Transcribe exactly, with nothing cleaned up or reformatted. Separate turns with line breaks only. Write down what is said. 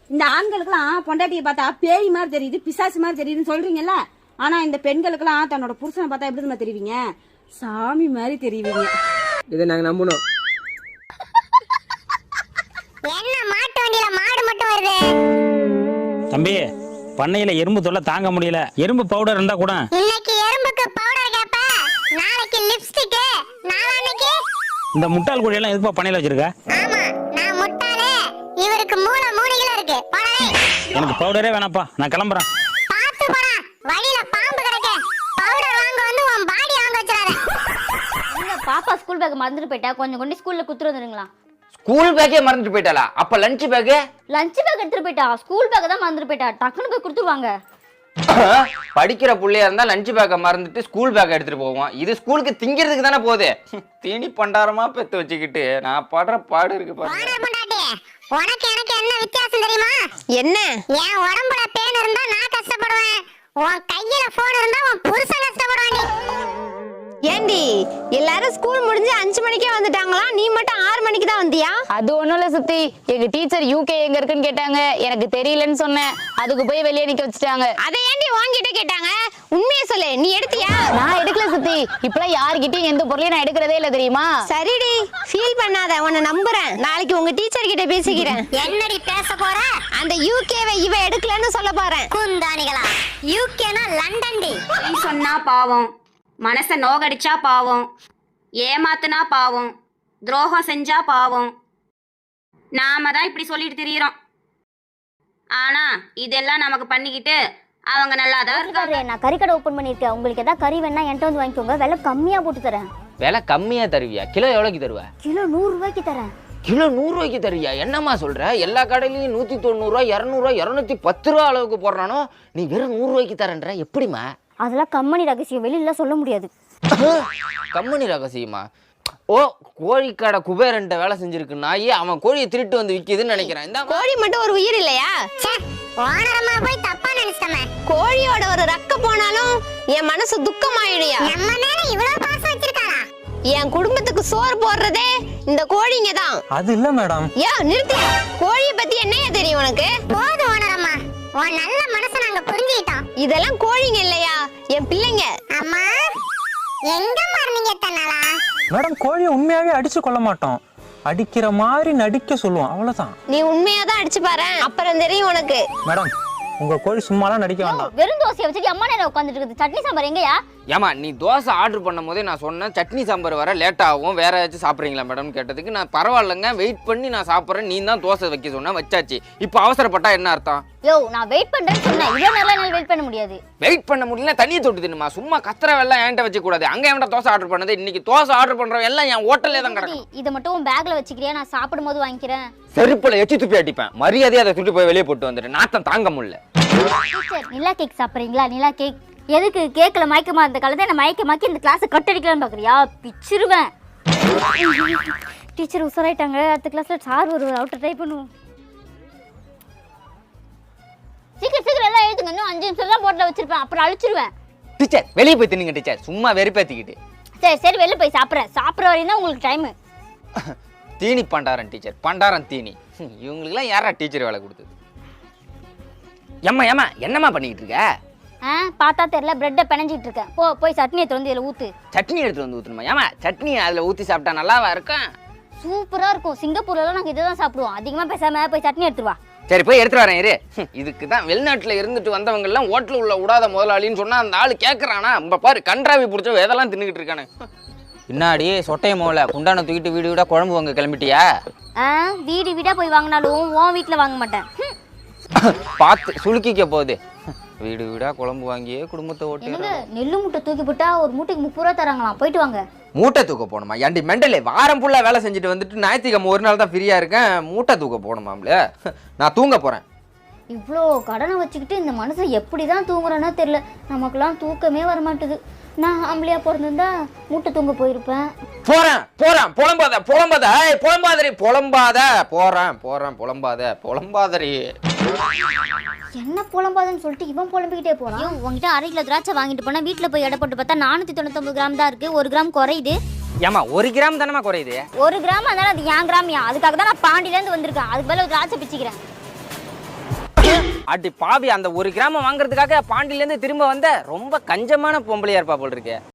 இந்த ஆண்களுக்கெல்லாம் பொண்டாட்டியை பார்த்தா பேய் மாதிரி தெரியுது, பிசாசு மாதிரி தெரியுதுன்னு சொல்றீங்கல்ல. ஆனா இந்த பெண்களுக்கெல்லாம் தன்னோட புருஷனை பார்த்தா எப்படி தெரியுமா தெரிவிங்க? சாமி மாதிரி தெரியுவீங்க.
இதை நாங்க நம்பணும்.
என்ன மாட்டு வண்டியில மாடு மட்டும் வருது?
தம்பி, பண்ணையில எறும்பு தொல்லை தாங்க முடியல. எறும்பு பவுடர் இருந்தா கூட.
இன்னைக்கு எறும்புக்கு பவுடர் கேப்ப, நாளைக்கு லிப்ஸ்டிக், நாளான்னைக்கு
இந்த முட்டாள் குடி எல்லாம் எதுப்பா பண்ணையில வச்சிருக்க?
ஆமா, நான் முட்டாளே. இவருக்கு மூளை மூளையில இருக்கு. போடவே.
எனக்கு பவுடரே வேணாப்பா, நான் கிளம்புறேன்.
பாத்து போடா, வழியில பாம்பு கிடக்கு. பவுடர் வாங்க வந்து உன் பாடி வாங்க வச்சிராத.
எங்க பாப்பா ஸ்கூல் பேக் மறந்துட்டு போயிட்டா, கொஞ்சம் கொண்டு ஸ்கூல்ல குத்துட்டு வந்துருங்களா?
ஸ்கூல் பேக்கே மறந்துட்டு போயிட்டாளா? அப்ப லஞ்ச் பேக்கு?
லஞ்ச் பேக் எடுத்துட்டு போயிட்டா, ஸ்கூல் பேக் தான் மறந்துட்டு போயிட்டா. டக்குனு போய் கொடுத்துருவாங்க.
படிக்கிற புள்ளையா இருந்தா லஞ்ச் பேக்கை மறந்துட்டு ஸ்கூல் பேக்கை எடுத்துட்டு போவோம். இது ஸ்கூலுக்கு திங்கிறதுக்கு தானே போகுது. தீனி பண்டாரமா பெத்து வச்சுக்கிட்டு நான் படுற பாடு இருக்கு பாரு.
போடா பொண்டாட்டி, உனக்கு எனக்கு என்ன வித்தியாசம் தெரியுமா?
என்ன?
என் உடம்புல பேன் இருந்தா நான் கஷ்டப்படுவேன், உன் கையில போன் இருந்தா உன் புருஷன் கஷ்டப்படுவாண்டி.
ஏண்டி எல்லாரும் ஸ்கூல் முடிஞ்சு அஞ்சு மணிக்கே வந்துட்டாங்களா, நீ மட்டும் ஆறு மணிக்கு தான் வந்தியா?
அது ஒண்ணும் இல்ல சுத்தி, எங்க டீச்சர் யூகே எங்க இருக்குன்னு கேட்டாங்க. எனக்கு தெரியலன்னு சொன்னேன். அதுக்கு போய் வெளியே நிக்க வச்சுட்டாங்க.
அதை ஏண்டி வாங்கிட்ட கேட்டாங்க? உண்மையை சொல்லு, நீ எடுத்தியா?
நான் எடுக்கல சுத்தி. இப்பெல்லாம் யாருகிட்டயும் எந்த பொருளையும் நான் எடுக்கிறதே இல்ல தெரியுமா?
சரிடி, ஃபீல் பண்ணாத, உன்னை நம்புறேன். நாளைக்கு உங்க டீச்சர் கிட்ட பேசிக்கிறேன்.
என்னடி பேச போற?
அந்த யூகேவை இவ எடுக்கலன்னு சொல்ல போறேன்.
குந்தானிகளா, யூகேனா லண்டன் டி.
பொய் சொன்னா பாவம், மனசை நோகடிச்சா பாவம், ஏமாத்துனா பாவம், துரோகம் செஞ்சா பாவம். நாம தான் இப்படி சொல்லிட்டு திரியிறோம். ஆனா இதெல்லாம் நமக்கு பண்ணிக்கிட்டு அவங்க நல்லா தான் இருக்காங்க.
நான் கறிக்கடை ஓபன் பண்ணிருக்கேன். உங்களுக்கு ஏதாவது கறி வேணா என்கிட்ட வந்து வாங்கிக்கோங்க. விலை கம்மியா போட்டு தரேன்.
விலை கம்மியா தருவியா? கிலோ எவ்வளவுக்கு தருவ?
கிலோ நூறு ரூபாய்க்கு தரேன்.
கிலோ நூறு ரூபாய்க்கு தருவியா? என்னம்மா சொல்ற? எல்லா கடையிலயும் நூத்தி தொண்ணூறு ரூபாய், இருநூறு ரூபாய், இருநூத்தி பத்து ரூபா அளவுக்கு போடுறானோ, நீ வெறும் நூறு ரூபாய்க்கு தரேன்ற? எப்படிமா?
அதெல்லாம் கம்பெனி ரகசியம், வெளியில சொல்ல முடியாது.
கம்பெனி ரகசியமா? ஓ, கோழிக்கடை குபேரன்ட்ட வேலை செஞ்சிருக்கு நாயே, அவன் கோழியை திருட்டு வந்து விற்கிதுன்னு நினைக்கிறேன். இந்த
கோழி மட்டும் ஒரு உயிர் இல்லையா?
ஓனரமா போய் தப்பா நினைச்சிட்டமே.
கோழியோட ஒரு ரக்க போனாலும் என் மனசு துக்கமாயிடுயா.
நம்ம மேல இவ்வளவு பாசம் வச்சிருக்காளா?
என் குடும்பத்துக்கு சோறு போடுறதே இந்த கோழிங்க தான்.
அது இல்ல மேடம்.
ஏன் நிறுத்தியா? கோழிய பத்தி என்னையா தெரியும் உனக்கு?
போதும் ஓனரம்மா, உன் நல்ல மனசை நாங்க புரிஞ்சுக்கிட்டோம்.
இதெல்லாம் கோழிங்க இல்லையா, என் பிள்ளைங்க.
அம்மா, எங்க மார்னிங்க தன்னாலா?
மேடம், கோழியை உண்மையாவே அடிச்சு கொள்ள மாட்டோம், அடிக்கிற மாதிரி நடிக்க சொல்லுவோம், அவ்வளவுதான்.
நீ உண்மையாதான் அடிச்சு பாரு, அப்புறம் தெரியும் உனக்கு.
மேடம், உங்க கோழி சும்மாலாம் நடிக்க வேண்டாம்.
வெறும் தோசையை வச்சுட்டு அம்மா நேரம் உட்காந்துட்டு இருக்குது. சட்னி சாம்பார் எங்கயா?
ஏமா, நீ தோசை ஆர்டர் பண்ணும் போதே நான் சொன்னேன் சட்னி சாம்பார் வர லேட் ஆகும், வேற ஏதாச்சும் சாப்பிட்றீங்களா மேடம் கேட்டதுக்கு நான் பரவாயில்லைங்க வெயிட் பண்ணி நான் சாப்பிட்றேன், நீ தான் தோசை வைக்க சொன்ன, வச்சாச்சு. இப்போ அவசரப்பட்டா என்ன அர்த்தம்?
யோ, நான் வெயிட் பண்றேன்னு சொன்னேன். இவ்வளோ நேரம் என்னால் வெயிட் பண்ண முடியாது.
வெயிட் பண்ண முடியல, தண்ணியை தொட்டு தின்னுமா. சும்மா கத்திர வெள்ளம் என்கிட்ட வச்சு கூடாது. அங்கே என்கிட்ட தோசை ஆர்டர் பண்ணது, இன்னைக்கு தோசை ஆர்டர் பண்றவன் எல்லாம் என் ஹோட்டல்லே தான் கிடக்கும்.
இதை மட்டும் உன் பேக்ல வச்சுக்கிறியா? நான் சாப்பிடும் போது வாங்கிக்கிறேன்.
செருப்புல எச்சி துப்பி அடிப்பேன். மரியாதையை அதை துட்டி போய் வெளியே போட்டு வந்துட்டு நாத்தம் தாங்க முடியல.
டீச்சர், நிலா கேக் சாப்பிட்றீங்களா? நிலா கேக் எதுக்கு? கேக்கில் மயக்கமா இருந்த காலத்தை என்ன மயக்கமாக்கி இந்த கிளாஸை கட்டடிக்கலான்னு பார்க்குறியா? பிச்சிருவேன். டீச்சர் உசராயிட்டாங்க. அடுத்த கிளாஸில் சார் ஒரு அவுட்டர் ட்ரை பண்ணுவோம். சீக்கிரம் சீக்கிரம் எல்லாம் எழுதுங்க. இன்னும் அஞ்சு நிமிஷம் தான் போட்டில் வச்சிருப்பேன், அப்புறம் அழிச்சிருவேன்.
டீச்சர், வெளியே போய் தின்னுங்க டீச்சர், சும்மா வெறுப்பேற்றிக்கிட்டு.
சரி சரி, வெளில போய் சாப்பிட்றேன். சாப்பிட்ற வரையும் தான் உங்களுக்கு டைமு.
தீனி பண்டாரன் டீச்சர், பண்டாரன் தீனி. இவங்களுக்குலாம் யாரா டீச்சர் வேலை கொடுத்தது? ஏம்மா ஏம்மா, என்னம்மா பண்ணிக்கிட்டு இருக்க?
ஆ, பார்த்தா தெரியல, பிரெட்டை பிணைஞ்சிட்டு இருக்கேன். போ போய் சட்னி எடுத்து வந்து இதில் ஊற்று.
சட்னி எடுத்து வந்து ஊற்றணுமா? ஏமா, சட்னி அதில் ஊற்றி சாப்பிட்டா நல்லாவா இருக்கும்?
சூப்பராக இருக்கும். சிங்கப்பூர்லாம் நாங்கள் இதை தான் சாப்பிடுவோம். அதிகமாக பேசாமல் போய் சட்னி எடுத்துருவா.
சரி, போய் எடுத்துட்டு வரேன் இரு. இதுக்கு தான் வெளிநாட்டில் இருந்துட்டு வந்தவங்க எல்லாம் ஹோட்டல் உள்ள விடாத முதலாளின்னு சொன்னா அந்த ஆள் கேட்கறானா? நம்ம பாரு, கன்றாவி பிடிச்ச எதெல்லாம் தின்னுக்கிட்டு இருக்கானு. பின்னாடி சொட்டைய மோல குண்டான தூக்கிட்டு வீடு வீடா குழம்பு வாங்க கிளம்பிட்டியா?
ஆ, வீடு வீடா போய் வாங்கினாலும் உன் வீட்டில் வாங்க மாட்டேன்.
பார்த்து சுளுக்கிக்க போகுது. வீடு வீடா குழம்பு வாங்கியே குடும்பத்தை ஓட்டு.
நெல்லு மூட்டை தூக்கி போட்டா ஒரு மூட்டைக்கு முப்பது ரூபா தராங்களாம். போயிட்டு வாங்க.
மூட்டை தூக்க போகணுமா? ஏன்டி மெண்டலே, வாரம் ஃபுல்லா வேலை செஞ்சுட்டு வந்துட்டு ஞாயிற்றுக்கிழமை ஒரு நாள் தான் ஃப்ரீயா இருக்கேன், மூட்டை தூக்க போகணுமாம்ல? நான் தூங்க போறேன்.
இவ்வளோ கடனை வச்சுக்கிட்டு இந்த மனுஷன் எப்படி தான் தூங்குறானோ தெரியல. நமக்கெல்லாம் தூக்கமே வர மாட்டுது. நான் ஆம்பளையா பிறந்திருந்தா மூட்டை தூங்க போயிருப்பேன்.
போறேன் போறேன் புலம்பாத புலம்பாத புலம்பாதரி புலம்பாத போறேன் போறேன் புலம்பாத புலம்பாதரி.
என்ன புலம்பாதன்னு சொல்லிட்டு இவன் புலம்பிக்கிட்டே போறான். உங்ககிட்ட அரை கிலோ திராட்சை வாங்கிட்டு போனா வீட்டுல போய் எடை போட்டு பார்த்தா நானூத்தி தொண்ணூத்தி ஒன்பது கிராம் தான் இருக்கு. ஒரு கிராம் குறையுது.
ஏமா, ஒரு கிராம் தானமா குறையுது?
ஒரு கிராம் அதனால அது ஏன் கிராமியா? அதுக்காக தான் நான் பாண்டியில இருந்து வந்திருக்கேன். அதுக்கு பதிலா திராட்சை பிச்சுக்கிறேன்.
அடி பாவி, அந்த ஒரு கிராமம் வாங்குறதுக்காக பாண்டியிலேருந்து திரும்ப வந்த ரொம்ப கஞ்சமான பொம்பளையா இருப்பா போல் இருக்கே.